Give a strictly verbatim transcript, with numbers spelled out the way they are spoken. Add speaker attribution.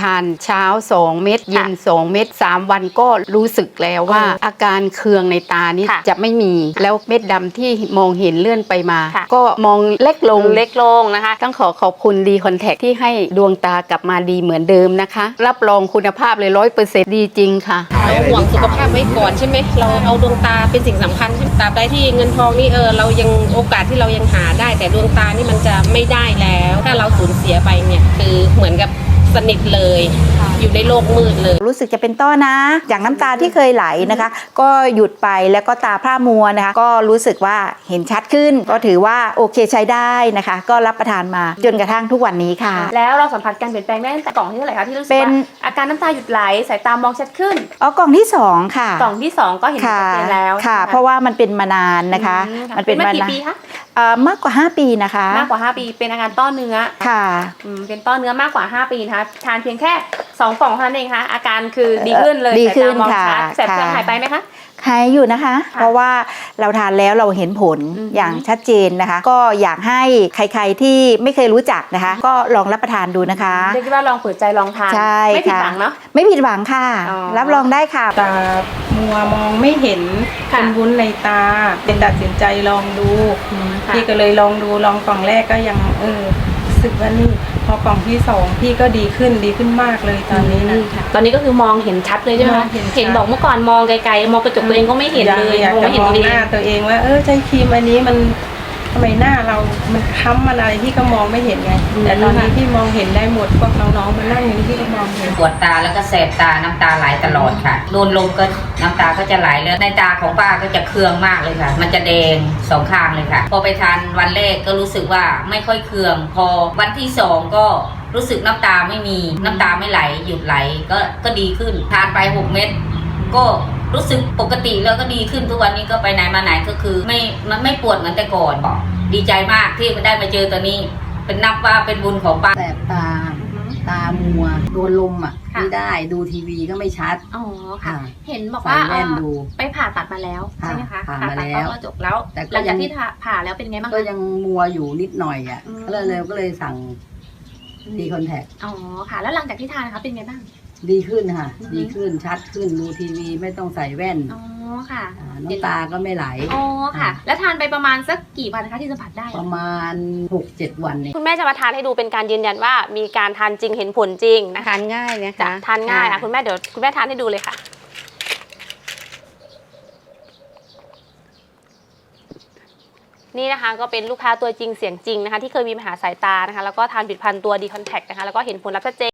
Speaker 1: านเช้าสองเม็ดเย็นสองเม็ดสามวันก็รู้สึกแล้วว่าอาการเคืองในตานี่จะไม่มีแล้วเม็ดดำที่มองเห็นเลื่อนไปมาก็มองเล็กลง
Speaker 2: เล็กลงนะคะ
Speaker 1: ต้องขอขอบคุณดีคอนแทคที่ให้ดวงตากลับมาดีเหมือนเดิมนะคะรับรองคุณภาพเลยร้อยเปอร์เซ็นต์ดีจริงค่ะ
Speaker 2: เราห่วงสุขภาพไว้ก่อนใช่ไหมเราเอาดวงตาเป็นสิ่งสำคัญใช่ไหมตราบใดที่เงินทองนี่เออเรายังโอกาสที่เรายังหาได้แต่ดวงตานี่มันจะไม่ได้แล้วถ้าเราสูญเสียไปเนี่ยคือเหมือนกับสนิทเลยอยู่ในโลกมืดเลย
Speaker 3: รู้สึกจะเป็นต้อนะอย่างน้ำตาที่เคยไหลนะคะก็หยุดไปแล้วก็ตาพร่ามัวนะคะก็รู้สึกว่าเห็นชัดขึ้นก็ถือว่าโอเคใช้ได้นะคะก็รับประทานมาจนกระทั่งทุกวันนี้ค่ะ
Speaker 4: แล้วเราสัมผัสการเปลี่ยนแปลงได้ตั้งแต่กล่องที่เท่าไหร่คะที่รู้สึกว่าอาการน้ำตาหยุดไหลสายตามองชัดขึ้น
Speaker 3: อ๋อกล่องที่สองค่ะ
Speaker 4: กล่องที่สองก็เห็นชัดเจนแล้ว
Speaker 3: ค่ะเพราะว่ามันเป็นมานานนะคะ
Speaker 4: มันเป็นมากี่ปีคะ
Speaker 3: มากกว่าห้าปีนะคะ
Speaker 4: มากกว่าห้าปีเป็นอาการต้อเนื้อ
Speaker 3: ค่ะ
Speaker 4: เป็นต้อเนื้อมากกว่าห้าปีนะคะทานเพียงแค่สองกล่องเท่านั้นเองค่ะอาการคือดีขึ้นเลย
Speaker 3: ดีขึ้น
Speaker 4: ค่ะแสบเคืองหายไปไหมคะ
Speaker 3: หายอยู่นะคะเพราะว่าเราทานแล้วเราเห็นผลอย่างชัดเจนนะคะก็อยากให้ใครๆที่ไม่เคยรู้จักนะคะก็ลองรับประทานดูนะคะ
Speaker 4: เรียกว่าลองเปิดใจลองทานไม่ผิดหวังเนาะ
Speaker 3: ไม่ผิดหวังค่ะรับรองได้ค่ะ
Speaker 5: ตามัวมองไม่เห็นเป็นวุ้นในตาเป็นตัดสินใจลองดูพี่ก็เลยลองดูลองกล่องแรกก็ยังเออรู้สึกว่านี่พอกล่องที่สองพี่ก็ดีขึ้นดีขึ้นมากเลยตอนนี้นะ
Speaker 4: ตอนนี้ก็คือมองเห็นชัดเลยใช่ไหมคะเห็นบอกเมื่อก่อนมองไกลๆมองกระจกตัวเองก็ไม่เห็นเลย
Speaker 5: อยากจะมองหน้าตัวเองว่าเออใช้ครีมอันนี้มันทำไมหน้าเรามันค้ำมันอะไรพี่ก็มองไม่เห็นไงแต่ตอนนี้พี่มองเห็นได้หมดพวกน้องๆมันนั่งอยู่นี่พี่ก็มองเห็น
Speaker 6: ปวดตาแล้วก็แสบตาน้ำตาไหลตลอดค่ะโดนลมก็น้ำตาก็จะไหลแล้วในตาของป้าก็จะเคืองมากเลยค่ะมันจะแดงสองข้างเลยค่ะพอไปทานวันแรกก็รู้สึกว่าไม่ค่อยเคืองพอวันที่สองก็รู้สึกน้ำตาไม่มีน้ำตาไม่ไหลหยุดไหลก็ก็ดีขึ้นทานไปหกเม็ดก็รู้สึกปกติแล้วก็ดีขึ้นทุกวันนี้ก็ไปไหนมาไหนก็คือไม่มันไม่ปวดเหมือนแต่ก่อนดีใจมากที่ได้มาเจอตัวนี้เป็นนับว่าเป็นบุญของป้า
Speaker 7: แสบตาตามัวโดนลมอ่ะไม่ได้ดูทีวีก็ไม่ชัด
Speaker 4: อ๋อค่ะเห็นบอกว่าไปผ่าตัดมาแล้วใช่ไหมคะ
Speaker 7: ผ่ามาแล้ว
Speaker 4: ก็จบแล้วหลังจากที่ผ่าแล้วเป็นไงบ้าง
Speaker 7: ก็ยังมัวอยู่นิดหน่อยอ่ะก็เลยก็เลยสั่งดีคอนแทค
Speaker 4: อ๋อค่ะแล้วหลังจากที่ทานนะคะเป็นไงบ้าง
Speaker 7: ดีขึ้นค่ะดีขึ้นชัดขึ้นดูทีวีไม่ต้องใส่แว่น
Speaker 4: อ๋อค่ะ
Speaker 7: น้ำตาก็ไม่ไหล
Speaker 4: อ๋อค่ะแล้วทานไปประมาณสักกี่วันคะที่สัมผัสได้
Speaker 7: ประมาณ หกเจ็ด วันเนี่ย
Speaker 2: คุณแม่จะมาทานให้ดูเป็นการยืนยันว่ามีการทานจริงเห็นผลจริงนะคะ
Speaker 1: ทานง่ายนะคะ
Speaker 2: ทานง่ายอ่ะคุณแม่เดี๋ยวคุณแม่ทานให้ดูเลยค่ะนี่นะคะก็เป็นลูกค้าตัวจริงเสียงจริงนะคะที่เคยมีปัญหาสายตานะคะแล้วก็ทานผลิตภัณฑ์ตัวดีคอนแทคนะคะแล้วก็เห็นผลลัพธ์ชัดเจน